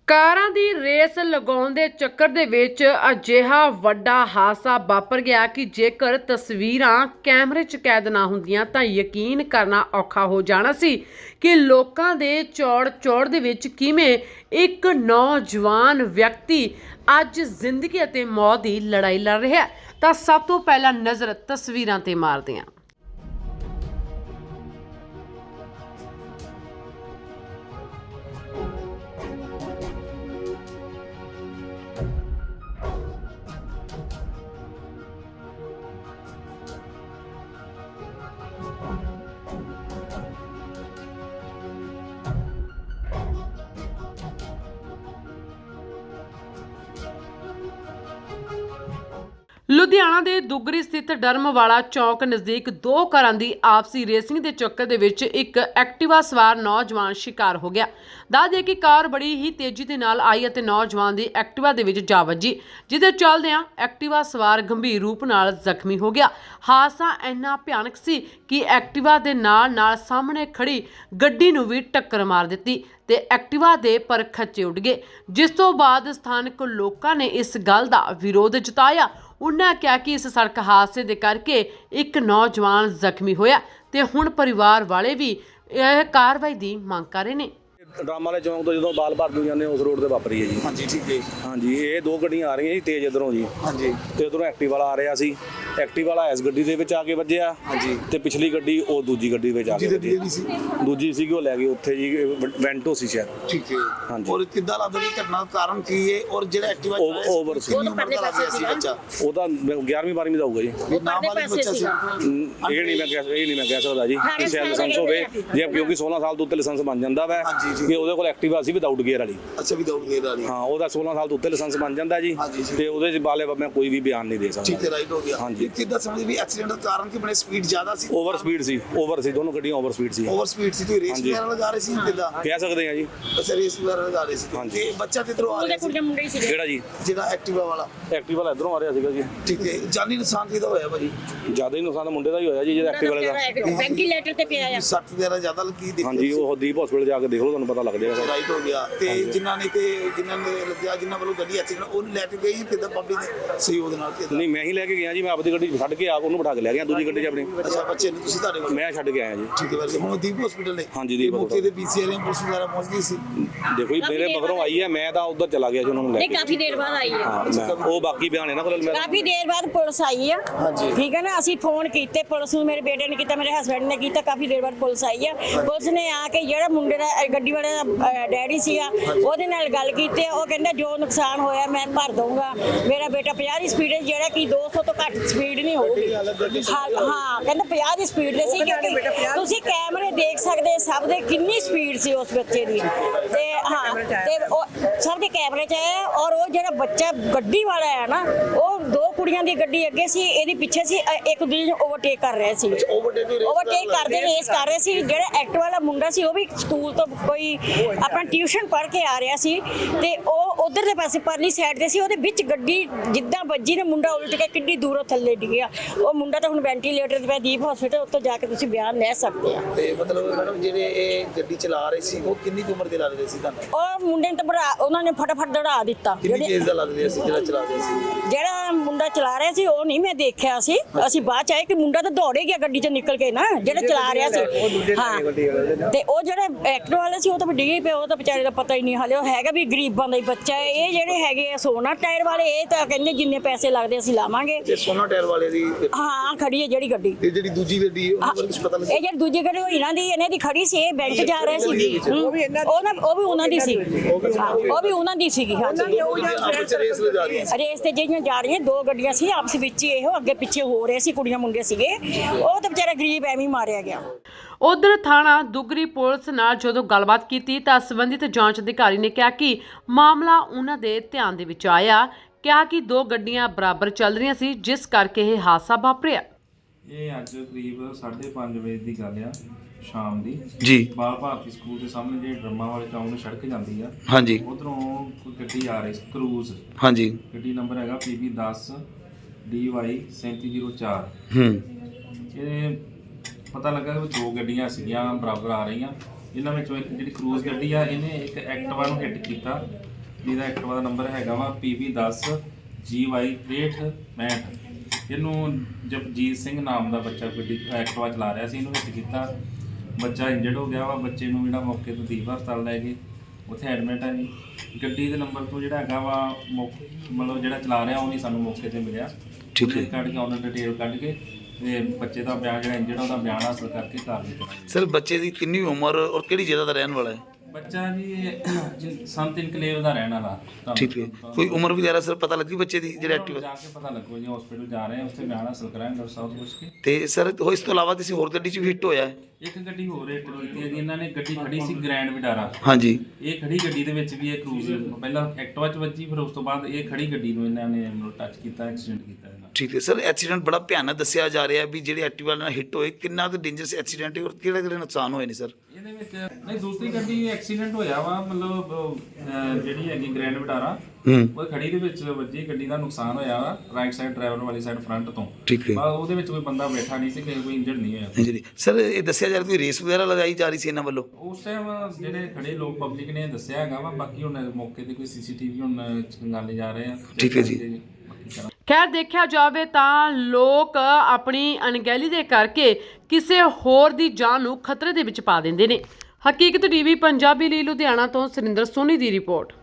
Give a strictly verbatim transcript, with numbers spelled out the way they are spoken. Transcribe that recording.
ਕਾਰਾਂ ਦੀ ਰੇਸ ਲਗਾਉਣ ਦੇ ਚੱਕਰ ਦੇ ਵਿੱਚ ਅਜਿਹਾ ਵੱਡਾ ਹਾਦਸਾ ਵਾਪਰ ਗਿਆ ਕਿ ਜੇਕਰ ਤਸਵੀਰਾਂ ਕੈਮਰੇ 'ਚ ਕੈਦ ਨਾ ਹੁੰਦੀਆਂ ਤਾਂ ਯਕੀਨ ਕਰਨਾ ਔਖਾ ਹੋ ਜਾਣਾ ਸੀ ਕਿ ਲੋਕਾਂ ਦੇ ਚੌੜ ਚੌੜ ਦੇ ਵਿੱਚ ਕਿਵੇਂ ਇੱਕ ਨੌਜਵਾਨ ਵਿਅਕਤੀ ਅੱਜ ਜ਼ਿੰਦਗੀ ਅਤੇ ਮੌਤ ਦੀ ਲੜਾਈ ਲੜ ਰਿਹਾ। ਤਾਂ ਸਭ ਤੋਂ ਪਹਿਲਾਂ ਨਜ਼ਰ ਤਸਵੀਰਾਂ ਤੇ ਮਾਰਦੇ ਹਾਂ। ਲੁਧਿਆਣਾ ਦੇ ਦੁੱਗਰੀ ਸਥਿਤ ਡਰਮਵਾਲਾ ਚੌਕ ਨਜ਼ਦੀਕ ਦੋ ਕਾਰਾਂ ਦੀ ਆਪਸੀ ਰੇਸਿੰਗ ਦੇ ਚੱਕਰ ਦੇ ਵਿੱਚ ਇੱਕ ਐਕਟਿਵਾ ਸਵਾਰ ਨੌਜਵਾਨ ਸ਼ਿਕਾਰ ਹੋ ਗਿਆ। ਦੱਸ ਦੇ ਕਿ ਕਾਰ ਬੜੀ ਹੀ ਤੇਜ਼ੀ ਦੇ ਨਾਲ ਆਈ ਅਤੇ ਨੌਜਵਾਨ ਦੀ ਐਕਟਿਵਾ ਦੇ ਵਿੱਚ ਜਾ ਵੱਜੀ, ਜਿਹਦੇ ਚੱਲਦਿਆਂ ਐਕਟਿਵਾ ਸਵਾਰ ਗੰਭੀਰ ਰੂਪ ਨਾਲ ਜ਼ਖਮੀ ਹੋ ਗਿਆ। ਹਾਦਸਾ ਇੰਨਾ ਭਿਆਨਕ ਸੀ ਕਿ ਐਕਟਿਵਾ ਦੇ ਨਾਲ ਨਾਲ ਸਾਹਮਣੇ ਖੜੀ ਗੱਡੀ ਨੂੰ ਵੀ ਟੱਕਰ ਮਾਰ ਦਿੱਤੀ ਤੇ ਐਕਟਿਵਾ ਦੇ ਪਰ ਖੱਚੇ ਉੱਡ ਗਏ, ਜਿਸ ਤੋਂ ਬਾਅਦ ਸਥਾਨਕ ਲੋਕਾਂ ਨੇ ਇਸ ਗੱਲ ਦਾ ਵਿਰੋਧ ਜਤਾਇਆ। ਉਹਨਾਂ ਕਿਹਾ ਕਿ ਇਸ ਸੜਕ ਹਾਦਸੇ ਦੇ ਕਰਕੇ ਇੱਕ ਨੌਜਵਾਨ ਜ਼ਖਮੀ ਹੋਇਆ ਤੇ ਹੁਣ ਪਰਿਵਾਰ ਵਾਲੇ ਵੀ ਇਹ ਕਾਰਵਾਈ ਦੀ ਮੰਗ ਕਰ ਰਹੇ ਨੇ। ਡਰਾਮਾ ਵਾਲੇ ਚੌਂਕ ਤੋਂ ਜਦੋਂ ਬਾਲ ਭਰ ਨੂੰ ਜਾਂਦੇ ਉਸ ਰੋਡ ਤੇ ਵਾਪਰੀ ਹੈ ਜੀ। ਹਾਂਜੀ ਠੀਕ ਹੈ। ਹਾਂਜੀ ਇਹ ਦੋ ਗੱਡੀਆਂ ਆ ਰਹੀਆਂ ਜੀ ਤੇਜ਼ ਇਧਰੋਂ ਜੀ। ਹਾਂਜੀ ਤੇ ਉਧਰੋਂ ਐਕਟਿਵ ਵਾਲਾ ਆ ਰਿਹਾ ਸੀ। ਐਕਟਿਵ ਵਾਲਾ ਇਸ ਗੱਡੀ ਦੇ ਵਿੱਚ ਆ ਕੇ ਵੱਜਿਆ। ਹਾਂਜੀ ਤੇ ਪਿਛਲੀ ਗੱਡੀ ਉਹ ਦੂਜੀ ਗੱਡੀ ਵਿੱਚ ਆ ਕੇ ਵੱਜੀ। ਸੀ ਦੂਜੀ ਸੀਗੀ ਉਹ ਲੈ ਗਈ ਉੱਥੇ ਜੀ ਵੈਂਟੋ ਸੀ ਸ਼ਾਇਦ। ਠੀਕ ਹੈ। ਹਾਂਜੀ ਔਰ ਕਿੱਦਾਂ ਲੱਗਦਾ ਵੀ ਘਟਨਾ ਦਾ ਕਾਰਨ ਕੀ ਹੈ ਔਰ ਜਿਹੜਾ ਐਕਟਿਵਾ ਓਵਰ ਸੀ ਸੀ ਬੱਚਾ ਉਹਦਾ ਗਿਆਰਵੀਂ ਬਾਰਵੀਂ ਦਾ ਹੋਊਗਾ ਜੀ। ਨਾਬਾਲਿਗ ਬੱਚਾ ਸੀ। ਇਹ ਨਹੀਂ ਮੈਂ ਕਹਿ ਇਹ ਨਹੀਂ ਮੈਂ ਕਹਿ ਸਕਦਾ ਜੀ ਕਿ ਸ਼ਾਇਦ ਲਾਇਸੈਂਸ ਹੋਵੇ ਜੇ ਕਿਉਂਕਿ ਸੋਲਾਂ ਸਾਲ ਤੋਂ ਉੱਤੇ ਲਾਇਸੈਂਸ ਬਣ ਜਾਂਦਾ ਵਾ ਕਿ ਉਹਦੇ ਕੋਲ ਐਕਟਿਵਾ ਸੀ ਵਿਦਆਊਟ ਗੇਅਰ ਵਾਲੀ। ਅੱਛਾ ਵਿਦਆਊਟ ਗੇਅਰ ਵਾਲੀ। ਹਾਂ ਉਹਦਾ ਸੋਲਾਂ ਸਾਲ ਤੋਂ ਉੱਤੇ ਲਾਇਸੈਂਸ ਬਣ ਜਾਂਦਾ ਜੀ ਤੇ ਉਹਦੇ ਚ ਬਾਲੇ ਮੈਂ ਕੋਈ ਵੀ ਬਿਆਨ ਨਹੀਂ ਦੇ ਸਕਦਾ। ਠੀਕ ਹੈ ਰਾਈਟ ਹੋ ਗਿਆ। ਹਾਂਜੀ ਕਿੱਦਾਂ ਸਮਝ ਵੀ ਐਕਸੀਡੈਂਟ ਦਾ ਕਾਰਨ ਕਿ ਬਣੇ ਸਪੀਡ ਜ਼ਿਆਦਾ ਸੀ। ਓਵਰ ਸਪੀਡ ਸੀ ਓਵਰ ਸੀ ਦੋਨੋਂ ਗੱਡੀਆਂ ਓਵਰ ਸਪੀਡ ਸੀ। ਓਵਰ ਸਪੀਡ ਸੀ ਤੇ ਰੇਸ ਵਗੈਰਾ ਲਗਾ ਰਹੇ ਸੀ ਕਿੱਦਾਂ ਕਹਿ ਸਕਦੇ ਆ ਜੀ। ਅੱਛਾ ਰੇਸ ਵਗੈਰਾ ਲਗਾ ਰਹੇ ਸੀ ਤੇ ਬੱਚਾ ਕਿੱਧਰੋਂ ਆ ਰਿਹਾ ਸੀ ਕਿਹੜਾ ਜੀ ਜਿਹੜਾ ਐਕਟਿਵਾ ਵਾਲਾ? ਐਕਟਿਵਾ ਵਾਲਾ ਇਧਰੋਂ ਆ ਰਿਹਾ ਸੀਗਾ ਜੀ। ਠੀਕ ਹੈ। ਜਾਨੀ ਨੁਕਸਾਨ ਕਿਹਦਾ ਹੋਇਆ ਭਾਜੀ? ਜ਼ਿਆਦਾ ਹੀ ਨੁਕਸਾਨ ਮੁੰਡੇ ਦਾ ਹੀ ਹੋਇਆ ਜੀ ਜਿਹੜਾ ਐਕਟਿਵਾ ਵਾਲੇ ਦਾ। ਵੈਂਟੀਲੇਟਰ ਤੇ ਪਿਆ ਆ। ਸੱਟ ਵਗੈਰਾ ਜ਼ਿਆਦਾ ਲੱਗੀ ਦਿੱਕਤ? ਹਾਂਜੀ ਉਹ ਦੀਪ ਹਸਪੀਟਲ ਜਾ ਕੇ ਦੇਖ ਲਓ ਤੁਹਾਨੂੰ ਪਤਾ ਲੱਗ ਜਾਏਗਾ। ਰਾਈਟ ਹੋ ਗਿਆ। ਤੇ ਜਿਨ੍ਹਾਂ ਨੇ ਤੇ ਜਿਨ੍ਹਾਂ ਨੇ ਲੱਗਿਆ ਜਿਨ੍ਹਾਂ ਵੱਲੋਂ ਗੱਡੀ ਐਕਸੀਡੈਂਟ ਉਹਨੂੰ ਲੈ ਕੇ ਗਈ ਕਿੱਦਾਂ ਪਬਲਿਕ ਦੇ ਸਹਿਯੋਗ ਨਾਲ? ਨਹੀਂ ਮੈਂ ਹੀ ਲੈ ਕੇ ਗਿਆ ਜੀ। ਮੈਂ ਆਪਣੀ ਗੱਡੀ ਛੱਡ ਕੇ ਆ ਉਹਨੂੰ ਬਿਠਾ ਕੇ ਲੈ ਗਿਆ ਦੂਜੀ ਗੱਡੀ 'ਚ ਆਪਣੀ। ਅੱਛਾ ਬੱਚੇ ਨੂੰ ਤੁਸੀਂ ਤੁਹਾਡੇ ਵੱਲ? ਮੈਂ ਛੱਡ ਕੇ ਆਇਆ ਜੀ। ਠੀਕ ਹੈ ਵੈਸੇ ਹੁਣ ਦੀਪ ਹਸਪੀਟਲ ਨੇ? ਹਾਂਜੀ ਦੀਪ ਮੌਕੇ ਤੇ ਪੀਸੀਆਰ ਪੁਲਿਸ ਵਗੈਰਾ ਪਹੁੰਚ ਗਈ ਸੀ? ਦੇਖੋ ਜੀ ਮੇਰੇ ਮਗਰੋਂ ਆਈ ਹੈ ਮੈਂ ਤਾਂ ਉਧਰ ਚਲਾ ਗਿਆ ਜੀ ਉਹਨਾਂ ਨੂੰ ਲੈ ਨਹੀਂ ਕੇ। ਕਾਫੀ ਦੇਰ ਬਾਅਦ ਆਈ ਹੈ। ਹਾਂ ਮੈਂ ਉਹ ਬਾਕੀ ਬਿਆਨ ਇਹਨਾਂ ਕੋਲ ਮੈਂ ਕਾਫੀ ਦੇਰ ਬਾਅਦ ਪੁਲਿਸ ਆਈ ਆ। ਠੀਕ ਹੈ ਨਾ। ਅਸੀਂ ਫੋਨ ਕੀਤੇ ਪੁਲਿਸ ਨੂੰ, ਮੇਰੇ ਬੇਟੇ ਨੇ ਕੀਤਾ, ਮੇਰੇ ਹਸਬੰਡ ਨੇ ਕੀਤਾ। ਕਾਫੀ ਦੇਰ ਬਾਅਦ ਪੁਲਿਸ ਆਈ ਆ। ਪੁਲਿਸ ਨੇ ਆ ਕੇ ਜਿਹੜਾ ਮੁੰਡੇ ਦਾ ਗੱਡੀ ਵਾਲੇ ਦਾ ਡੈਡੀ ਸੀਗਾ ਉਹਦੇ ਨਾਲ ਗੱਲ ਕੀਤੀ। ਉਹ ਕਹਿੰਦਾ ਜੋ ਨੁਕਸਾਨ ਹੋਇਆ ਮੈਂ ਭਰ ਦਊਂਗਾ। ਮੇਰਾ ਬੇਟਾ ਪੰਜਾਹ ਦੀ ਸਪੀਡ ਹੈ ਜਿਹੜਾ ਕਿ ਦੋ ਸੌ ਤੋਂ ਘੱਟ ਸਪੀਡ ਨਹੀਂ ਹੋਊਗੀ। ਹਾਂ ਕਹਿੰਦਾ ਪੰਜਾਹ ਦੀ ਸਪੀਡ ਦੇ ਸੀ ਕਿਉਂਕਿ ਤੁਸੀਂ ਕੈਮਰੇ ਦੇਖ ਸਕਦੇ ਸਭ ਦੇ ਕਿੰਨੀ ਸਪੀਡ ਸੀ ਉਸ ਬੱਚੇ ਦੀ। ਤੇ ਹਾਂ ਤੇ ਉਹ ਸਭ ਦੇ ਕੈਮਰੇ 'ਚ ਆਇਆ। ਔਰ ਉਹ ਜਿਹੜਾ ਬੱਚਾ ਗੱਡੀ ਵਾਲਾ ਹੈ ਨਾ ਉਹ ਦੋ ਕੁੜੀਆਂ ਦੀ ਗੱਡੀ ਅੱਗੇ ਸੀ ਇਹਦੀ ਪਿੱਛੇ ਸੀ। ਇੱਕ ਦੂਜੇ ਨੂੰ ਓਵਰਟੇਕ ਕਰ ਰਹੇ ਸੀ। ਓਵਰਟੇਕ ਕਰਦੇ ਰੇਸ ਕਰ ਰਹੇ ਸੀ। ਜਿਹੜਾ ਐਕਟ ਵਾਲਾ ਮੁੰਡਾ ਸੀ ਉਹ ਵੀ ਸਕੂਲ ਤੋਂ ਕੋਈ ਆਪਣਾ ਟਿਊਸ਼ਨ ਪੜ੍ਹ ਕੇ ਆ ਰਿਹਾ ਸੀ ਤੇ ਉਹ ਉਧਰ ਦੇ ਪਾਸੇ ਪਰਲੀ ਸਾਈਡ ਤੇ ਸੀ। ਉਹਦੇ ਵਿੱਚ ਗੱਡੀ ਜਿੱਦਾਂ ਵੱਜੀ ਨੇ ਮੁੰਡਾ ਉਲਟ ਕੇ ਕਿੰਨੀ ਦੂਰੋਂ ਥੱਲੇ ਡਿੱਗਿਆ। ਉਹ ਮੁੰਡਾ ਤਾਂ ਹੁਣ ਵੈਂਟੀਲੇਟਰ ਤੇ ਪਿਆ ਦੀਪ ਹਸਪੀਟਲ। ਉੱਥੋਂ ਜਾ ਕੇ ਤੁਸੀਂ ਬਿਆਨ ਲੈ ਸਕਦੇ ਆ। ਤੇ ਮਤਲਬ ਮੈਡਮ ਜਿਹੜੇ ਇਹ ਗੱਡੀ ਚਲਾ ਰਹੇ ਸੀ ਉਹ ਕਿੰਨੀ ਉਮਰ ਦੇ ਲੱਗ ਰਹੇ ਸੀ ਤੁਹਾਨੂੰ? ਉਹ ਮੁੰਡੇ ਨੇ ਤਾਂ ਬੜਾ ਉਹਨਾਂ ਨੇ ਫਟਾਫਟ ਦੜਾ ਦਿੱਤਾ। ਕਿੰਨੀ ਏਜ ਦਾ ਲੱਗ ਰਿਹਾ ਸੀ ਜਿਹੜਾ ਚਲਾ ਰਿਹਾ ਸੀ? ਜਿਹੜਾ ਮੁੰਡਾ ਚਲਾ ਰਿਹਾ ਸੀ ਉਹ ਨਹੀਂ ਮੈਂ ਦੇਖਿਆ ਸੀ। ਅਸੀਂ ਬਾਅਦ ਚ ਆਏ ਕਿ ਮੁੰਡਾ ਤਾਂ ਦੌੜੇ ਗਿਆ ਗੱਡੀ 'ਚ ਨਿਕਲ ਕੇ ਨਾ ਜਿਹੜਾ ਚਲਾ ਰਿਹਾ ਸੀ। ਹਾਂ ਤੇ ਉਹ ਜਿਹੜਾ ਐਕਟਰ ਵਾਲਾ ਸੀ ਉਹ ਤਾਂ ਡਿੱਗੇ ਪਿਆ। ਉਹ ਤਾਂ ਵਿਚਾਰੇ ਦਾ ਪਤਾ ਹੀ ਨਹੀਂ ਹਾਲੇ। ਉਹ ਹੈਗਾ ਵੀ ਗਰੀਬਾਂ ਦਾ ਹੀ ਬੱਚਾ ਹੈ। ਇਹ ਜਿਹੜੇ ਹੈਗੇ ਆ ਸੋਨਾ ਟਾਇਰ ਵਾਲੇ ਇਹ ਤਾਂ ਕਹਿੰਦੇ ਜਿੰਨੇ ਪੈਸੇ ਲੱਗਦੇ ਅਸੀਂ ਲਾਵਾਂਗੇ। ਤੇ ਸੋਨਾ ਟਾਇਰ ਵਾਲੇ ਦੀ ਹਾਂ ਖੜੀ ਹੈ ਜਿਹੜੀ ਗੱਡੀ। ਤੇ ਜਿਹੜੀ ਦੂਜੀ ਗੱਡੀ ਉਹਨਾਂ ਬਾਰੇ ਕੁਝ ਪਤਾ ਲੱਗਿਆ? ਇਹ ਜਿਹੜੀ ਦੂਜੀ ਗੱਡੀ ਉਹ ਇਹਨਾਂ ਦੀ ਇਹਨਾਂ ਦੀ ਖੜੀ ਸੀ। ਇਹ ਬੈਂਕ ਜਾ ਰਹੇ ਸੀ। ਉਹ ਵੀ ਉਹ ਵੀ ਉਹਨਾਂ ਦੀ ਸੀ। ਉਹ ਵੀ ਉਹਨਾਂ ਦੀ ਸੀਗੀ। ਰੇਸ ਲਗਾ ਰਹੀ ਸੀ। ਰੇਸ ਤੇ ਜਿਹੜੀਆਂ ਜਾ ਰਹੀਆਂ ਦੋ ਗੱਡੀਆਂ ਸੀ ਆਪਸ ਵਿੱਚ ਹੀ ਇਹੋ ਅੱਗੇ ਪਿੱਛੇ ਹੋ ਰਹੇ ਸੀ। ਕੁੜੀਆਂ ਮੁੰਡੇ ਸੀਗੇ। ਉਹ ਤਾਂ ਵਿਚਾਰਾ ਗਰੀਬ ਐਵੇਂ ਹੀ ਮਾਰਿਆ ਗਿਆ। ਉਧਰ ਥਾਣਾ ਦੁੱਗਰੀ ਪੁਲਿਸ ਨਾਲ ਜਦੋਂ ਗੱਲਬਾਤ ਕੀਤੀ ਤਾਂ ਸੰਬੰਧਿਤ ਜਾਂਚ ਅਧਿਕਾਰੀ ਨੇ ਕਿਹਾ ਕਿ ਮਾਮਲਾ ਉਹਨਾਂ ਦੇ ਧਿਆਨ ਦੇ ਵਿੱਚ ਆਇਆ। ਕਿਹਾ ਕਿ ਦੋ ਗੱਡੀਆਂ ਬਰਾਬਰ ਚੱਲ ਰਹੀਆਂ ਸੀ ਜਿਸ ਕਰਕੇ ਇਹ ਹਾਦਸਾ ਵਾਪਰਿਆ। ਇਹ ਅੱਜ ਕਰੀਬ ਸਾਢੇ ਪੰਜ ਵਜੇ ਦੀ ਗੱਲ ਆ ਸ਼ਾਮ ਦੀ ਜੀ। ਬਾਲ ਭਾਰਤੀ ਸਕੂਲ ਦੇ ਸਾਹਮਣੇ ਜਿਹੜੇ ਡਰਮਾ ਵਾਲੇ ਚੌਂਕ ਨੂੰ ਸੜਕ ਜਾਂਦੀ ਆ ਹਾਂਜੀ ਉਧਰੋਂ ਕੋਈ ਗੱਡੀ ਆ ਰਹੀ ਕਰੂਜ਼। ਹਾਂਜੀ ਗੱਡੀ ਨੰਬਰ ਹੈਗਾ ਪੀ ਬੀ ਦਸ ਡੀ ਵਾਈ ਸੈਂਤੀ ਜ਼ੀਰੋ ਚਾਰ। ਹੂੰ ਇਹ ਪਤਾ ਲੱਗਾ ਕਿ ਦੋ ਗੱਡੀਆਂ ਸੀਗੀਆਂ ਬਰਾਬਰ ਆ ਰਹੀਆਂ। ਇਹਨਾਂ ਵਿੱਚੋਂ ਇੱਕ ਜਿਹੜੀ ਕਰੂਜ਼ ਗੱਡੀ ਆ ਇਹਨੇ ਇੱਕ ਐਕਟਿਵਾ ਨੂੰ ਹਿੱਟ ਕੀਤਾ ਜਿਹਦਾ ਐਕਟਿਵਾ ਦਾ ਨੰਬਰ ਹੈਗਾ ਵਾ ਪੀ ਵੀ ਦਸ ਜੀ ਵਾਈ ਤ੍ਰੇਹਠ ਪੈਂਹਠ। ਇਹਨੂੰ ਜਪਜੀਤ ਸਿੰਘ ਨਾਮ ਦਾ ਬੱਚਾ ਗੱਡੀ ਐਕਟਿਵਾ ਚਲਾ ਰਿਹਾ ਸੀ, ਇਹਨੂੰ ਹਿੱਟ ਕੀਤਾ, ਬੱਚਾ ਇੰਜਰਡ ਹੋ ਗਿਆ ਵਾ। ਬੱਚੇ ਨੂੰ ਜਿਹੜਾ ਮੌਕੇ ਤੋਂ ਦੀਪ ਹਸਪਤਾਲ ਲੈ ਗਏ, ਉੱਥੇ ਐਡਮਿਟ ਹੈ ਜੀ। ਗੱਡੀ ਦੇ ਨੰਬਰ ਤੋਂ ਜਿਹੜਾ ਹੈਗਾ ਵਾ ਮੌਕ- ਮਤਲਬ ਜਿਹੜਾ ਚਲਾ ਰਿਹਾ ਉਹ ਨਹੀਂ ਸਾਨੂੰ ਮੌਕੇ ਤੇ ਮਿਲਿਆ। ਠੀਕ ਹੈ। ਕੱਢ ਕੇ ਉਹਨਾਂ ਡਿਟੇਲ ਕੱਢ ਕੇ ਤੇ ਬੱਚੇ ਦਾ ਬਿਆਨ ਜਿਹੜਾ ਇੰਜਰਡ ਉਹਦਾ ਬਿਆਨ ਹਾਸਲ ਕਰਕੇ ਕਾਰਵਾਈ ਕਰਾਂਗੇ। ਸਰ ਬੱਚੇ ਦੀ ਕਿੰਨੀ ਉਮਰ ਔਰ ਕਿਹੜੀ ਜਗ੍ਹਾ ਦਾ ਰਹਿਣ ਵਾਲਾ ਹੈ? ਬੱਚਾ ਜੀ ਇਹ ਸੰਤ ਇਨਕਲੇਵ ਦਾ ਰਹਿਣ ਵਾਲਾ। ਤੁਹਾਨੂੰ- ਠੀਕ ਹੈ। ਕੋਈ ਉਮਰ ਵਗੈਰਾ ਸਰ ਪਤਾ ਲੱਗੀ ਬੱਚੇ ਦੀ ਜਿਹੜਾ ਉਹਨਾਂ ਨੂੰ ਐਕਟਿਵ ਜਾ ਕੇ ਪਤਾ ਲੱਗੋ ਜੀ, ਹਸਪੀਟਲ ਜਾ ਰਹੇ ਹਾਂ, ਉੱਥੇ ਬਿਆਨ ਹਾਸਲ ਕਰਾਂਗੇ ਡਾਕਟਰ ਸਾਹਿਬ ਤੋਂ ਪੁੱਛ ਕੇ। ਤੇ ਸਰ ਉਹ ਇਸ ਤੋਂ ਇਲਾਵਾ ਕਿਸੇ ਹੋਰ ਗੱਡੀ 'ਚ ਵੀ ਹਿੱਟ ਹੋਇਆ ਹੈ? ਇੱਕ ਗੱਡੀ ਹੋਰ ਹਿੱਟ ਕੀਤੀ ਹੈ ਜੀ ਇਹਨਾਂ ਨੇ। ਗੱਡੀ ਖੜੀ ਸੀ ਗ੍ਰੈਂਡ ਵਿਟਾਰਾ, ਹਾਂਜੀ। ਇਹ ਖੜੀ ਗੱਡੀ ਦੇ ਵਿੱਚ ਵੀ ਇਹ ਕਰੂਜ਼ ਪਹਿਲਾਂ ਐਕਟਿਵਾ 'ਚ ਵੱਜੀ, ਫਿਰ ਉਸ ਤੋਂ ਬਾਅਦ ਇਹ ਖੜੀ ਗੱਡੀ ਨੂੰ ਇਹਨਾਂ ਨੇ ਮਤਲਬ ਟੱਚ ਕੀਤਾ, ਐਕਸੀਡੈਂਟ ਕੀਤਾ ਇਹਨਾਂ। ਠੀਕ ਹੈ ਸਰ। ਐਕਸੀਡੈਂਟ ਬੜਾ ਭਿਆਨਕ ਦੱਸਿਆ ਜਾ ਰਿਹਾ ਵੀ ਜਿਹੜੇ ਐਕਟਿਵਾ ਨਾਲ ਹਿੱਟ ਹੋਏ, ਕਿੰਨਾ ਕੁ ਡੇਂਜਰਸ ਐਕਸੀਡੈਂਟ ਹੈ ਔਰ ਕਿਹੜੇ ਕਿਹੜੇ ਨੁਕਸਾਨ ਹੋਏ ਨੇ ਸਰ? ਇਹਦੇ ਵਿੱਚ ਨਹੀਂ ਦੂਸਰੀ ਗੱਡੀ ਐਕਸੀਡੈਂਟ ਹੋਇਆ ਵਾ, ਮਤਲਬ ਅਹ, ਜਿਹੜੀ ਹੈਗੀ ਗ੍ਰੈਂਡ ਵਿਟਾਰਾ ਹੂੰ। ਉਹ ਖੜੀ ਦੇ ਵਿੱਚ ਵੱਜੀ, ਗੱਡੀ ਦਾ ਨੁਕਸਾਨ ਹੋਇਆ ਵਾ ਰਾਈਟ ਸਾਈਡ ਡਰਾਈਵਰ ਵਾਲੀ ਸਾਈਡ ਫਰੰਟ ਤੋਂ। ਠੀਕ ਹੈ। ਬਸ ਉਹਦੇ ਵਿੱਚ ਕੋਈ ਬੰਦਾ ਬੈਠਾ ਨਹੀਂ ਸੀ, ਕਿਸੇ ਕੋਈ ਇੰਜਰਡ ਨਹੀਂ ਹੋਇਆ। ਹਾਂਜੀ ਸਰ, ਇਹ ਦੱਸਿਆ ਜਾ ਰਿਹਾ ਕੋਈ ਰੇਸ ਵਗੈਰਾ ਲਗਾਈ ਜਾ ਰਹੀ ਸੀ ਇਹਨਾਂ ਵੱਲੋਂ? ਉਸ ਟਾਈਮ ਜਿਹੜੇ ਖੜੇ ਲੋਕ ਪਬਲਿਕ ਨੇ ਦੱਸਿਆ ਹੈਗਾ ਵਾ, ਬਾਕੀ ਹੁਣ ਮੌਕੇ ਤੇ ਕੋਈ ਸੀਸੀਟੀਵੀ ਹੁਣ ਖੰਗਾਲੇ ਜਾ ਰਹੇ ਆ। ਠੀਕ ਹੈ ਜੀ। ਬਾਕੀ ਕਰਾਂਗੇ। ਖੈਰ ਦੇਖਿਆ ਜਾਵੇ ਤਾਂ ਲੋਕ ਆਪਣੀ ਅਣਗਹਿਲੀ ਦੇ ਕਰਕੇ ਕਿਸੇ ਹੋਰ ਦੀ ਜਾਨ ਨੂੰ ਖਤਰੇ ਦੇ ਵਿੱਚ ਪਾ ਦਿੰਦੇ ਨੇ। ਹਕੀਕਤ ਟੀਵੀ ਪੰਜਾਬੀ ਲਈ ਲੁਧਿਆਣਾ ਤੋਂ ਸੁਰਿੰਦਰ ਸੋਨੀ ਦੀ ਰਿਪੋਰਟ।